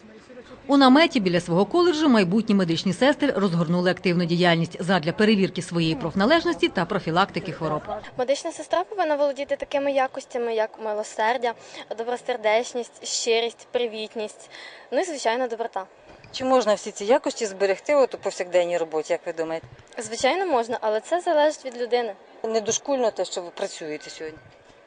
У наметі біля свого коледжу майбутні медичні сестри розгорнули активну діяльність задля перевірки своєї профналежності та профілактики хвороб. Медична сестра повинна володіти такими якостями, як милосердя, добросердечність, щирість, привітність, ну і, звичайно, доброта. Чи можна всі ці якості зберегти у повсякденній роботі, як ви думаєте? Звичайно, можна, але це залежить від людини. Не дошкульно те, що ви працюєте сьогодні?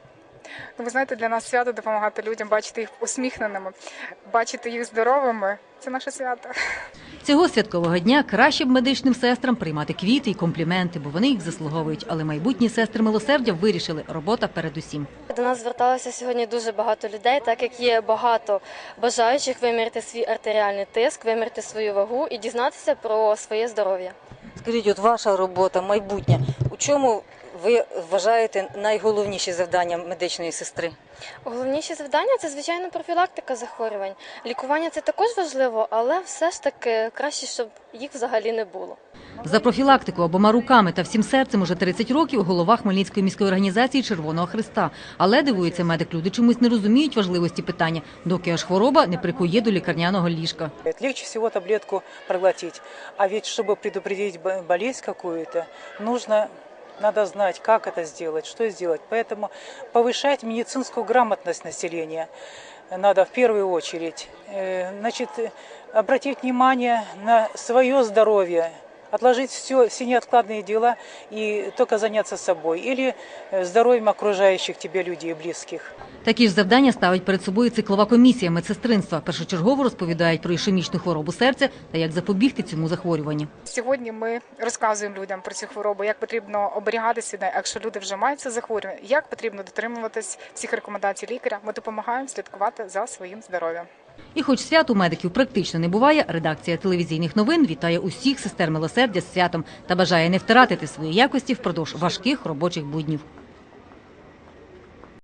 Ну, ви знаєте, для нас свято допомагати людям, бачити їх усміхненими, бачити їх здоровими – це наше свято. Цього святкового дня краще б медичним сестрам приймати квіти і компліменти, бо вони їх заслуговують. Але майбутні сестри милосердя вирішили – робота передусім. До нас зверталося сьогодні дуже багато людей, так як є багато бажаючих виміряти свій артеріальний тиск, виміряти свою вагу і дізнатися про своє здоров'я. Скажіть, от ваша робота, майбутнє, у чому ви вважаєте найголовніші завдання медичної сестри? Головніші завдання – це, звичайно, профілактика захворювань. Лікування – це також важливо, але все ж таки краще, щоб їх взагалі не було. За профілактику обома руками та всім серцем уже 30 років голова Хмельницької міської організації Червоного Хреста. Але, дивується медик, люди чомусь не розуміють важливості питання, доки аж хвороба не прикує до лікарняного ліжка. Легче всего таблетку проглотить, а ведь чтобы предупредить болезнь какую-то, надо знать, как это сделать, что сделать. Поэтому повышать медицинскую грамотность населения надо в первую очередь. Значит, обратить внимание на свое здоровье, отложить все неоткладные дела и только заняться собой или здоровьем окружающих тебе людей, близких. Такі ж завдання ставить перед собою циклова комісія медсестринства. Першочергово розповідають про ішемічну хворобу серця та як запобігти цьому захворюванню. Сьогодні ми розказуємо людям про цю хворобу, як потрібно оберігатися, якщо люди вже мають це захворювання, як потрібно дотримуватись всіх рекомендацій лікаря. Ми допомагаємо слідкувати за своїм здоров'ям. І хоч свят у медиків практично не буває, редакція телевізійних новин вітає усіх сестер милосердя з святом та бажає не втратити свої якості впродовж важких робочих буднів.